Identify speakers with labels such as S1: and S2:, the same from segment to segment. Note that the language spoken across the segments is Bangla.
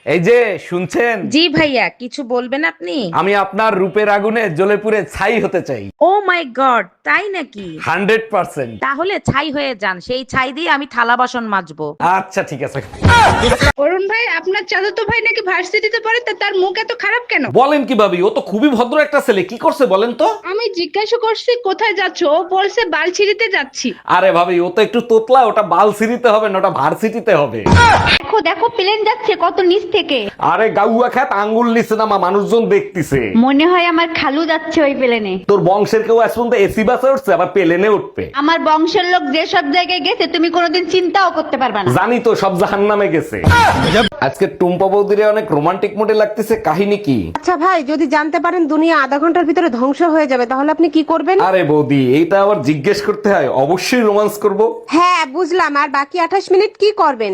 S1: এই যে শুনছেন,
S2: জি ভাইয়া, কিছু বলবেন আপনি?
S1: আমি আপনার রূপের আগুনে জ্বলে পুড়ে ছাই হতে চাই।
S2: ও মাই গড, তাই নাকি?
S1: 100%।
S2: তাহলে ছাই হয়ে যান, সেই ছাই দিয়ে আমি থালা বাসন মাজবো।
S1: আচ্ছা ঠিক আছে।
S3: অরুণ ভাই, আপনার চাচাতো ভাই নাকি ভার্সিটিতে পড়ে, তা তার মুখ এত খারাপ কেন?
S1: বলেন কি ভাবি, ও তো খুবই ভদ্র একটা ছেলে, কি করছে বলেন তো?
S3: আমি জিজ্ঞাসা করছি কোথায় যাচ্ছ, ও বলছে বালছিড়িতে যাচ্ছি।
S1: আরে ভাবি, ও তো একটু তোতলা, ওটা বালসিটিতে হবে না, ওটা ভার্সিটিতে হবে।
S3: দেখো দেখো, প্লেন যাচ্ছে কত নিচ থেকে।
S1: আরে গাউয়া খ্যাত আঙ্গুল নিচে নামা, মানুষজন দেখতেছে।
S3: মনে হয় আমার খালু যাচ্ছে ওই প্লেনে।
S1: তোর বংশের কেউ আজ পর্যন্ত এসি বাসে উঠছে, আবার প্লেনে উঠবে?
S3: আমার বংশের লোক যে সব জায়গায় গেছে তুমি কোনোদিন চিন্তাও করতে পারবা না।
S1: জানি তো, সব জাহান্নামে গেছে। আজকে টুম্পা বৌদিরে অনেক রোমান্টিক মোডে লাগতেছে, কাহিনী কি?
S4: আচ্ছা ভাই, যদি জানতে পারেন দুনিয়া আধা ঘন্টার ভিতরে ধ্বংস হয়ে যাবে, তাহলে আপনি কি করবেন?
S1: আরে বৌদি, এইটা আবার জিজ্ঞেস করতে হয়? অবশ্যই রোমান্স করব।
S4: হ্যাঁ বুঝলাম, আর বাকি 28 মিনিট কি করবেন?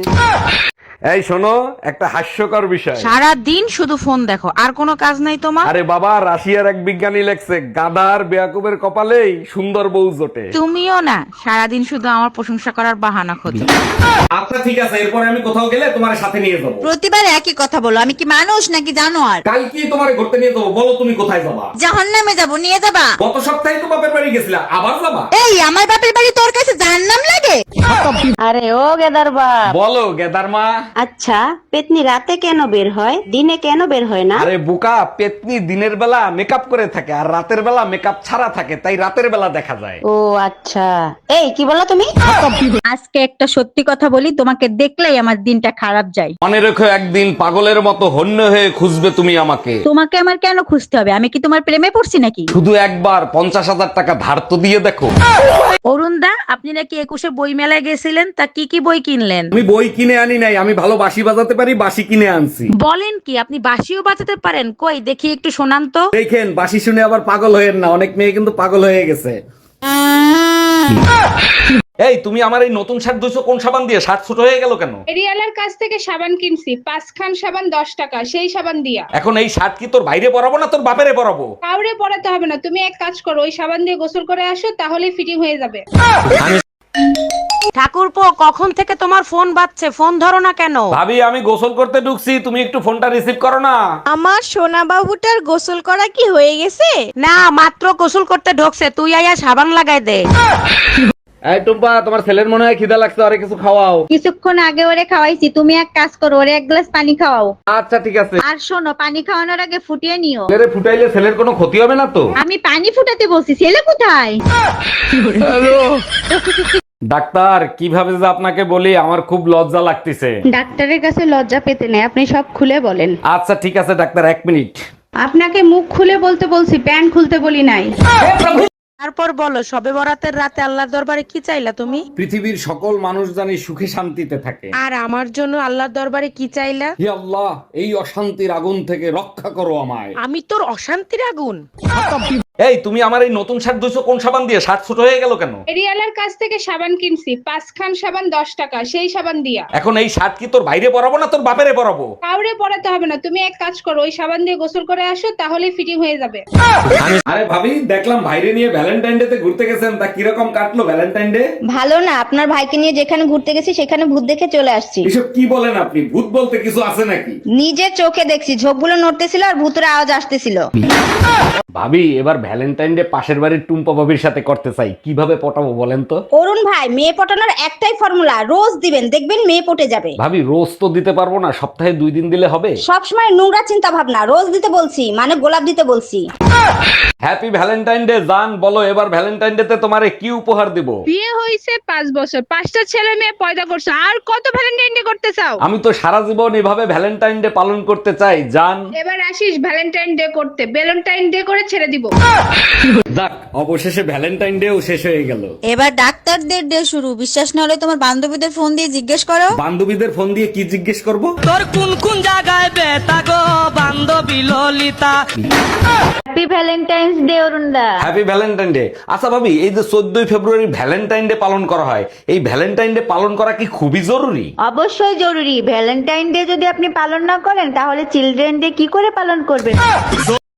S1: এই শোনো, একটা হাস্যকর বিষয়।
S2: সারা দিন শুধু ফোন দেখো, আর কোনো কাজ নাই তোমার?
S1: আরে বাবা, রাশিয়ার এক বিজ্ঞানী লেখছে, গাধার বেয়াকুবের কপালেই সুন্দর বউ জোটে।
S2: তুমিও না, সারাদিন শুধু আমার প্রশংসা করার বাহানা খোঁজো।
S1: আচ্ছা ঠিক আছে, এরপরে আমি কোথাও গেলে তোমার সাথে নিয়ে যাবো।
S5: প্রতিবার একই কথা বলো, আমি কি মানুষ নাকি জানোয়ার?
S1: কালকে তোমার ঘুরতে নিয়ে যাবো, বলো তুমি কোথায় যাবা?
S5: জাহান্নামে যাবো, নিয়ে যাবা?
S1: গত সপ্তাহে তো বাপের বাড়ি গেছিলা, আবার যাবা?
S5: এই আমার বাপের বাড়ি তোর কাছে জাহান্নাম লাগে?
S6: আরে ও গেদার বাপ,
S1: বলো গেদার মা।
S6: আচ্ছা পেতনি রাতে কেন বের হয়, দিনে কেন বের হয় না?
S1: আরে বোকা, পেতনি দিনের বেলা মেকআপ করে থাকে আর রাতের বেলা মেকআপ ছাড়া থাকে, তাই রাতের বেলা দেখা যায়।
S6: ও আচ্ছা, এই কি বলো তুমি?
S3: আজকে একটা সত্যি কথা বলি, তোমাকে দেখলেই আমার দিনটা খারাপ যায়।
S1: মনে রেখো, একদিন পাগলের মতো হন্য হয়ে খুঁজবে তুমি আমাকে।
S3: তোমাকে আমার কেন খুঁজতে হবে? আমি কি তোমার প্রেমে পড়ছি নাকি?
S1: শুধু একবার 50,000 টাকা ধার তো দিয়ে দেখো।
S2: অরুণ দা, আপনি নাকি 21-এ বই মেলায় গেছিলেন, তা কি কি বই কিনলেন?
S1: আমি বই কিনে আনি নাই, আমি ভালো বাঁশি বাজাতে পারি, বাঁশি কিনে আনছি।
S2: বলেন কি, আপনি বাঁশিও বাজাতে পারেন? কই দেখি একটু শোনান তো।
S1: দেখেন, বাঁশি শুনে আবার পাগল হয়েন না, অনেক মেয়ে কিন্তু পাগল হয়ে গেছে। এই তুমি আমার এই নতুন শার্ট ধুইছো কোন সাবান দিয়ে? শার্ট ছোট হয়ে গেল কেন?
S3: এরিয়ালার কাছ থেকে সাবান কিনছি, 5 খান সাবান 10 টাকা, সেই সাবান দিয়া।
S1: এখন এই শার্ট কি তোর বাইরে পরাবো না তোর বাপেরে পরাবো?
S3: কাউরে পড়াতে হবে না, তুমি এক কাজ করো, ওই সাবান দিয়ে গোসল করে আসো, তাহলে ফিটিং হয়ে যাবে।
S2: ঠাকুরপো, কখন থেকে তোমার ফোন বাজছে, ফোন ধরো না কেন?
S1: ভাবি, আমি গোসল করতে ঢুকছি, তুমি একটু ফোনটা রিসিভ করো না।
S5: আমার সোনা বাবুটার গোসল করা কি হয়ে গেছে?
S2: না, মাত্র গোসল করতে ঢোকছে, তুই আয়া সাবান লাগাই দে।
S1: এই টুম্পা, তোমার ছেলের মনে হয় খিদা লাগছে, আরে কিছু খাওয়াও।
S3: কিছুক্ষণ আগে ওরে খাওয়াইছি, তুমি এক কাজ করো, ওরে এক গ্লাস পানি খাওয়াও।
S1: আচ্ছা ঠিক আছে।
S3: আর শোনো, পানি খাওয়ানোর আগে ফুটিয়ে নিও।
S1: ছেলেরে ফুটাইলে ছেলের কোনো ক্ষতি হবে না তো?
S3: আমি পানি ফুটাতে বলছি, ছেলে কোথায়?
S1: ডাক্তার, কিভাবে যে আপনাকে বলি, আমার খুব লজ্জা লাগতেছে।
S3: ডাক্তারের কাছে লজ্জা পেতে নেই, আপনি সব খুলে বলেন।
S1: আচ্ছা ঠিক আছে ডাক্তার, 1 মিনিট।
S3: আপনাকে মুখ খুলে বলতে বলছি, প্যান্ট খুলতে বলি নাই।
S2: তারপর বলো, সবে বরাতের রাতে আল্লাহর দরবারে কি চাইলা তুমি?
S1: পৃথিবীর সকল মানুষ জানি সুখে শান্তিতে থাকে।
S2: আর আমার জন্য আল্লাহর দরবারে কি চাইলা?
S1: হে আল্লাহ, এই অশান্তির আগুন থেকে রক্ষা করো আমায়।
S2: আমি তোর অশান্তির আগুন।
S1: এই তুমি আমার এই নতুন শার্ট ধুইছো কোন সাবান দিয়ে? শার্ট ছোট হয়ে গেল কেন?
S3: এরিয়ালার কাছ থেকে সাবান কিনছি, 5 খান সাবান 10 টাকা, সেই সাবান দিয়া।
S1: এখন এই শার্ট কি তোর বাইরে পরাবো না তোর বাপেরে পরাবো?
S3: কাউরে পড়াতে হবে না, তুমি এক কাজ করো, ওই সাবান দিয়ে গোসল করে আসো, তাহলে ফিটিং হয়ে যাবে।
S1: আরে ভাবি, দেখলাম ভাইরে নিয়ে ভ্যালেন্টাইন ডে তে ঘুরতে গেছেন, তা কিরকম কাটলো ভ্যালেন্টাইন ডে?
S7: ভালো না, আপনার ভাইকে নিয়ে যেখানে ঘুরতে গেছি সেখানে ভূত দেখে চলে আসছি।
S1: এসব কি বলেন আপনি? ভূত বলতে কিছু আছে নাকি?
S7: নিজের চোখে দেখছি, ঝোপগুলো নড়তেছিল আর ভূতের আওয়াজ আসতেছিল।
S1: ভাবি, এবার ভ্যালেন্টাইন ডে পাশের বাড়ির টুম্পা ভাবির সাথে করতে চাই, কিভাবে পটাবো বলেন তো?
S7: অরুণ ভাই, মেয়ে পটানোর একটাই ফর্মুলা, রোজ দিবেন, দেখবেন মেয়ে পটে যাবে।
S1: ভাবি, রোজ তো দিতে পারবো না, সপ্তাহে 2 দিন দিলে হবে?
S7: সবসময় নোংরা চিন্তা ভাবনা, রোজ দিতে বলছি মানে গোলাপ দিতে বলছি।
S1: হ্যাপি ভ্যালেন্টাইন ডে জান, বলো এবার ভ্যালেন্টাইন ডে তে তোমারে কি উপহার দিব?
S3: বিয়ে হইছে 5 বছর, 5টা ছেলে মেয়ে পয়দা করছো, আর কত ভ্যালেন্টাইন ডে করতে চাও?
S1: আমি তো সারা জীবন এভাবে ভ্যালেন্টাইন ডে পালন করতে চাই জান।
S3: এবার আসিস ভ্যালেন্টাইন ডে করতে, ভ্যালেন্টাইন ডে করে ছেড়ে দিব।
S1: যাক, অবশেষে ভ্যালেন্টাইন ডেও শেষ হয়ে গেল।
S5: এবার ডাক্তারদের ডে শুরু, বিশ্বাস না হলে তোমার বান্ধবীদের ফোন দিয়ে জিজ্ঞেস করো।
S1: বান্ধবীদের ফোন দিয়ে কি জিজ্ঞেস করব?
S8: তোর কোন কোন জায়গায় বেতা গো বান্ধবী Lalita.
S7: Happy Valentine's day Arun da.
S1: Happy Valentine day. আচ্ছা ভাবি, এই যে 14ই ফেব্রুয়ারি ভ্যালেন্টাইন ডে পালন করা হয়, এই ভ্যালেন্টাইন ডে পালন করা কি খুবই জরুরি?
S7: অবশ্যই জরুরি, ভ্যালেন্টাইন ডে যদি আপনি পালন না করেন তাহলে চিলড্রেন ডে কি করে পালন করবেন?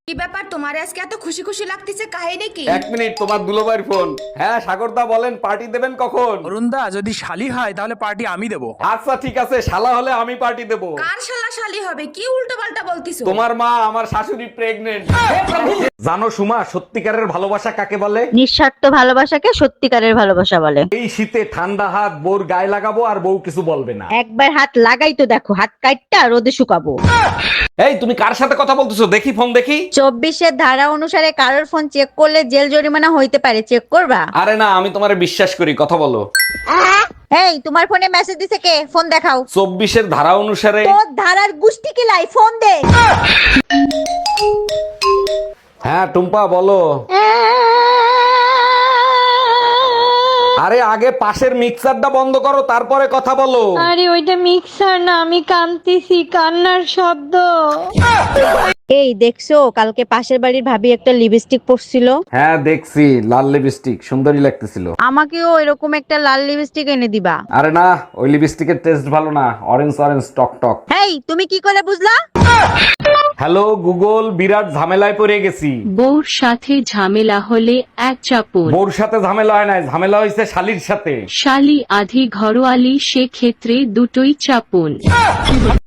S9: কি ব্যাপার তোমার আজকে এত খুশি খুশি লাগতেছে কাহিনী কি?
S1: 1 মিনিট, তোমার দুলোবাইর ফোন। হ্যাঁ সাগরদা বলেন, পার্টি দেবেন কখন?
S10: অরুণদা যদি শালি হয় তাহলে পার্টি আমি দেবো।
S1: আচ্ছা ঠিক আছে, শালা হলে আমি পার্টি দেব।
S9: কার শালা শালি হবে? কি উল্টো পাল্টা বলতিছো?
S1: তোমার মা, আমার শাশুড়ি প্রেগনেন্ট। জানো সুমা, সত্যিকারের ভালোবাসা কাকে বলে?
S7: নিঃস্বার্থ ভালোবাসাকে সত্যিকারের ভালোবাসা বলে।
S1: এই শীতে ঠান্ডা হাত বউর গায়ে লাগাবো আর বউ কিছু বলবে না।
S7: একবার হাত লাগাই তো দেখো, হাত কাটটা রোদে শুকাবো।
S1: এই তুমি কার সাথে কথা বলতেছো? দেখি ফোন দেখি।
S7: 24-এর ধারা অনুসারে কারোর ফোন চেক করলে জেল জরিমানা হইতে পারে, চেক করবা?
S1: আরে না, আমি তোমারে বিশ্বাস করি, কথা বলো।
S7: এই তোমার ফোনে মেসেজ দিছে কে? ফোন দেখাও।
S1: 24-এর ধারা অনুসারে।
S7: তোর ধারার গুষ্টি কিলাই, ফোন দে।
S1: হ্যাঁ টুম্পা বলো। আরে আগে পাশের মিক্সারটা বন্ধ করো, তারপরে কথা বলো।
S3: আরে ওইটা মিক্সার না, আমি কাঁদতেছি, কান্নার শব্দ।
S7: এই দেখছো কালকে পাশের বাড়ির ভাবি একটা লিপস্টিক পরছিল?
S1: হ্যাঁ দেখছি, লাল লিপস্টিক, সুন্দরী লাগতেছিল।
S7: আমাকেও এরকম একটা লাল লিপস্টিক এনে দিবা।
S1: আরে না, ওই লিপস্টিকের টেস্ট ভালো না, অরেঞ্জ অরেঞ্জ টক টক।
S7: এই তুমি কি করে বুঝলা?
S1: হ্যালো গুগল, বিরাট ঝামেলায় পড়ে গেছি।
S3: বউর সাথে ঝামেলা হলে এক চাপুন,
S1: বউর সাথে ঝামেলা হয় নাই, ঝামেলা হয়েছে শালির সাথে।
S3: শালি আধি ঘরোয়ালি, সে ক্ষেত্রে দুটোই চাপুন।